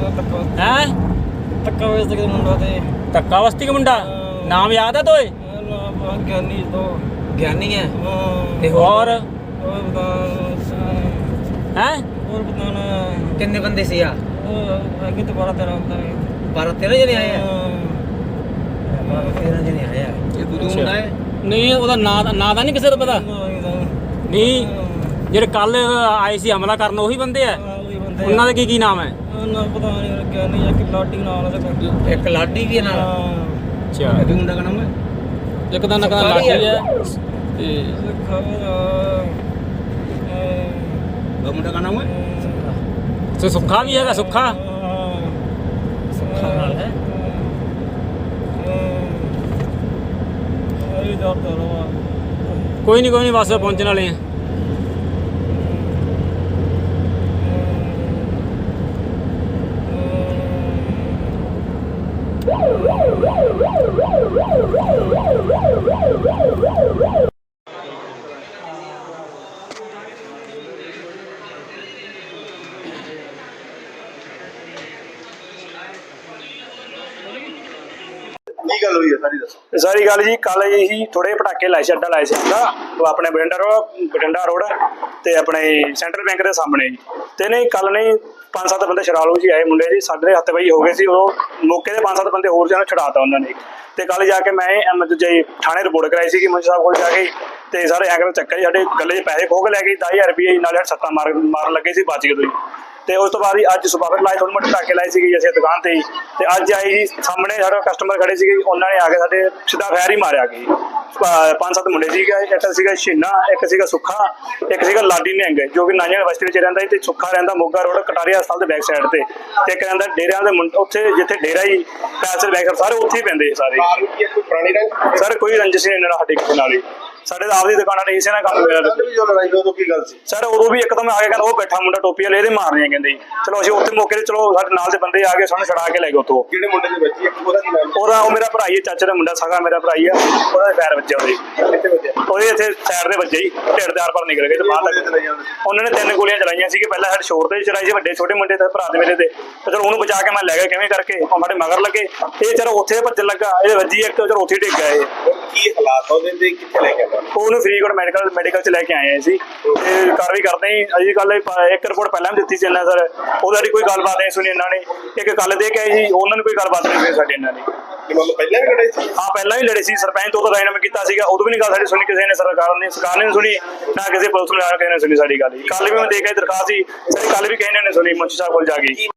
ਹੈ ਧੱਕਾ ਵਸਤੀ ਦਾ ਮੁੰਡਾ ਤੇ ਧੱਕਾ ਬਸਤੀ ਦਾ ਮੁੰਡਾ ਨਾਮ ਯਾਦ ਹੈ ਤੋਏ ਗਿਆਨੀ ਤੋਂ ਗਿਆਨੀ ਹੈ ਤੇ ਹੋਰ ਹੋਰ ਬਤਾ ਹੈ ਹੋਰ ਬਤਾਣਾ ਕਿੰਨੇ ਬੰਦੇ ਸੀ ਆ ਅੱਗੇ ਤੋਂ 12 13 ਹੁੰਦਾ ਹੈ 12 13 ਜਣੇ ਆਏ ਆ 13 ਜਣੇ ਆਏ ਆ ਇਹ ਦੂਜਾ ਮੁੰਡਾ ਹੈ ਨਹੀਂ ਉਹਦਾ ਨਾਂ ਦਾ ਨਹੀਂ ਕਿਸੇ ਦਾ ਪਤਾ ਨਹੀਂ ਜਿਹੜੇ ਕੱਲ ਆਏ ਸੀ ਹਮਲਾ ਕਰਨ ਉਹੀ ਬੰਦੇ ਆ ਉਹਨਾਂ ਦਾ ਕੀ ਨਾਮ ਹੈ ਨਾ ਪਤਾ ਨਹੀਂ ਗਿਆਨੀ ਜਾਂ ਕਿ ਲਾਡੀ ਨਾਲ ਉਹਦਾ ਇੱਕ ਲਾਡੀ ਵੀ ਹੈ ਨਾਲ ਅੱਛਾ ਇਹ ਮੁੰਡਾ ਦਾ ਨਾਮ ਹੈ ਇੱਕ ਦਾ ਨਕਾ ਲਾਠੀ ਹੈ ਤੇ ਉਹ ਮੁੰਡਾ ਦਾ ਨਾਮ ਹੈ ਤੇ ਸੁੱਖਾ ਵੀ ਹੈਗਾ ਸੁੱਖਾ ਸੁੱਖਾ ਨਾਲ ਹੈ ਕੋਈ ਨਹੀਂ ਬਸ ਪਹੁੰਚਣ ਵਾਲੇ ਆ ਕੀ ਗੱਲ ਹੋਈ ਹੈ ਸਾਰੀ ਦੱਸੋ। ਸਾਰੀ ਗੱਲ ਜੀ ਕੱਲ ਇਹੀ ਥੋੜੇ ਪਟਾਕੇ ਲਾਏ ਸੀ ਅੱਡਾ ਲਾਏ ਸੀ ਅੱਡਾ ਉਹ ਆਪਣੇ ਬਠਿੰਡਾ ਰੋਡ ਤੇ ਆਪਣੇ ਸੈਂਟਰਲ ਬੈਂਕ ਦੇ ਸਾਹਮਣੇ ਜੀ ਤੇ ਨਹੀਂ ਕੱਲ ਨਹੀਂ 5-7 ਬੰਦੇ ਸ਼ਰਾਲੂ ਜੀ ਆਏ ਮੁੰਡੇ ਜੀ ਸਾਡੇ ਹੱਥ ਵਈ ਹੋ ਗਏ ਸੀ ਉਹ ਮੌਕੇ ਦੇ 5-7 ਬੰਦੇ ਹੋਰ ਜਿਹਨਾਂ ਛੁਡਾਤਾ ਉਹਨਾਂ ਨੇ ਤੇ ਕੱਲ ਜਾ ਕੇ ਮੈਂ ਦੂਜੇ ਥਾਣੇ ਰਿਪੋਰਟ ਕਰਾਈ ਸੀ ਕਿ ਮੰਜੀ ਸਾਹਿਬ ਕੋਲ ਜਾ ਕੇ ਤੇ ਸਾਰੇ ਐਂਗਲ ਚੱਕਰ ਜੀ ਸਾਡੇ ਗੱਲੇ 'ਚ ਪੈਸੇ ਖੋਹ ਕੇ ਲੈ ਗਏ 10,000 ਰੁਪਏ ਨਾਲੇ ਸੱਟਾਂ ਮਾਰਨ ਲੱਗੇ ਸੀ ਬਚ ਗਏ ਤੁਸੀਂ ਤੇ ਉਸ ਤੋਂ ਬਾਅਦ ਹੀ ਅੱਜ ਸੁਬਾਹ ਫਿਰ ਲਾਏ ਥੋੜ੍ਹੇ ਮੋਟੇ ਪਟਾਕੇ ਲਾਏ ਸੀਗੇ ਅਸੀਂ ਦੁਕਾਨ ਤੇ ਹੀ ਤੇ ਅੱਜ ਆਏ ਜੀ ਸਾਹਮਣੇ ਸਾਡੇ ਕਸਟਮਰ ਖੜੇ ਸੀਗੇ ਉਹਨਾਂ ਨੇ ਆ ਕੇ ਸਾਡੇ ਸਿੱਧਾ ਫੈਰ ਹੀ ਮਾਰਿਆ ਗਈ 5-7 ਮੁੰਡੇ ਸੀਗੇ ਇੱਕ ਸੀਗਾ ਛੀਨਾ ਇੱਕ ਸੀਗਾ ਸੁੱਖਾ ਇੱਕ ਸੀਗਾ ਲਾਡੀ ਨਿਹੰਗ ਜੋ ਕਿ ਨਾਨਿਆਂ ਬਸਤੀ ਵਿੱਚ ਰਹਿੰਦਾ ਤੇ ਸੁੱਖਾ ਰਹਿੰਦਾ ਮੋਗਾ ਰੋਡ ਕਟਾਰੀਆ ਹਸਪਤਾਲ ਦੇ ਬੈਕ ਸਾਈਡ ਤੇ ਇੱਕ ਰਹਿੰਦਾ ਡੇਰਿਆਂ ਦੇ ਉੱਥੇ ਜਿੱਥੇ ਡੇਰਾ ਹੀ ਪੈਸੇ ਦੇ ਬੈਕ ਸਾਰੇ ਉੱਥੇ ਹੀ ਪੈਂਦੇ ਸਾਰੇ ਪੁਰਾਣੀ ਰੰਗ ਸਰ ਕੋਈ ਰੰਜਿਸ਼ ਨਹੀਂ ਇਹਨਾਂ ਸਾਡੇ ਕਿਸੇ ਨਾਲ ਹੀ ਸਾਡੇ ਤਾਂ ਆਪਦੀ ਦੁਕਾਨਾਂ ਨੇ ਇਸੇ ਨਾਲ ਕੰਮ ਮੇਰਾ ਜੋ ਲੜਾਈ ਹੋਈ ਉਦੋਂ ਕੀ ਗੱਲ ਸੀ ਸਰ ਉਦੋਂ ਵੀ ਇੱਕਦਮ ਆ ਕੇ ਕਹਿੰਦਾ ਉਹ ਬੈਠਾ ਮੁੰਡਾ ਟੋਪੀ ਵਾਲੇ ਇਹਦੇ ਮਾਰਨੇ ਕਹਿੰਦੇ ਚਲੋ ਅਸੀਂ ਉੱਥੇ ਮੌਕੇ ਤੇ ਚਲੋ ਸਾਡੇ ਨਾਲ ਦੇ ਬੰਦੇ ਆ ਕੇ ਸਾਨੂੰ ਛੜਾ ਕੇ ਲੈ ਗਏ ਉੱਥੋਂ ਜਿਹੜੇ ਮੁੰਡੇ ਦੇ ਬੱਚੀ ਉਹਦਾ ਕੀ ਨਾਮ ਉਹ ਮੇਰਾ ਭਰਾ ਹੀ ਹੈ ਚਾਚੇ ਦਾ ਮੁੰਡਾ ਸਾਗਾ ਮੇਰਾ ਭਰਾ ਹੀ ਆ ਉਹਦਾ ਪੈਰ ਵੱਜਿਆ ਕਿੱਥੇ ਵੱਜਿਆ ਉਹਦੇ ਇੱਥੇ ਸਾਈਡ ਦੇ ਵੱਜੇ ਹੀ ਢਿੱਡ ਦੇ ਆਰ ਪਰ ਨਿਕਲ ਗਏ ਤੇ ਬਾਹਰ ਤੱਕ ਉਹਨਾਂ ਨੇ 3 ਗੋਲੀਆਂ ਚਲਾਈਆਂ ਸੀਗੇ ਪਹਿਲਾਂ ਸਾਡੇ ਸ਼ੋਰ ਤੇ ਚਲਾਈ ਸੀ ਵੱਡੇ ਛੋਟੇ ਮੁੰਡੇ ਤੇ ਭਰਾ ਦੇ ਮੇਰੇ ਤੇ ਚਲੋ ਉਹਨੂੰ ਬਚਾ ਕੇ ਮੈਂ ਲੈ ਗਿਆ ਕਿਵੇਂ ਕਰਕੇ ਉਹ ਸਾਡੇ ਮਗਰ ਲੱਗੇ ਇਹ ਚਲੋ ਉੱਥੇ ਭੱਜਣ ਲੱਗਾ ਇਹ ਵੱਜੀ ਇੱਕ ਚਲੋ ਉੱਥੇ ਡਿੱਗ ਗਿਆ ਇਹ ਕੀ ਹਾਲਾਤ ਉਹਦੇ ਤੇ ਕਿੱਥੇ ਲੈ ਕੇ ਆਇਆ ਉਹਨੂੰ ਫਰੀਦਕੋਟ ਮੈਡੀਕਲ ਚ ਲੈ ਕੇ ਆਏ ਸੀ ਤੇ ਕਾਰਵਾਈ ਕਰਦੇ ਹੀ ਅਜੀ ਕੱਲ ਇੱਕ ਰਿਪੋਰਟ ਪਹਿਲਾਂ ਵੀ ਦਿੱਤੀ ਸੀ ਇਹਨਾਂ ਸਰ ਉਹਦਾ ਕੋਈ ਗੱਲਬਾਤ ਨਹੀਂ ਸੁਣੀ ਇਹਨਾਂ ਨੇ ਇੱਕ ਕੱਲ ਦੇ ਕੇ ਆਏ ਸੀ ਉਹਨਾਂ ਨੂੰ ਕੋਈ ਗੱਲਬਾਤ ਨਹੀਂ ਸੁਣੀ ਸਾਡੀ ਇਹਨਾਂ ਨੇ ਪਹਿਲਾਂ ਵੀ ਲੜੇ ਸੀ ਹਾਂ ਪਹਿਲਾਂ ਵੀ ਲੜੇ ਸੀ ਸਰਪੰਚ ਤੋਂ ਰਾਇਨਾਮਾ ਕੀਤਾ ਸੀਗਾ ਉਦੋਂ ਵੀ ਨਹੀਂ ਗੱਲ ਸਾਡੀ ਸੁਣੀ ਕਿਸੇ ਨੇ ਸਰਕਾਰ ਨੇ ਸੁਣੀ ਨਾ ਕਿਸੇ ਪੁਲਿਸ ਨੇ ਕਿਸੇ ਨੇ ਸੁਣੀ ਸਾਡੀ ਗੱਲ ਕੱਲ ਵੀ ਮੈਂ ਦੇਖਿਆ ਦਰਖਾਸਤ ਸੀ ਕੱਲ ਵੀ ਕਿਸੇ ਨੇ ਸੁਣੀ ਮੁੰਸ਼ੀ ਸਾਹਿਬ ਕੋਲ ਜਾ ਕੇ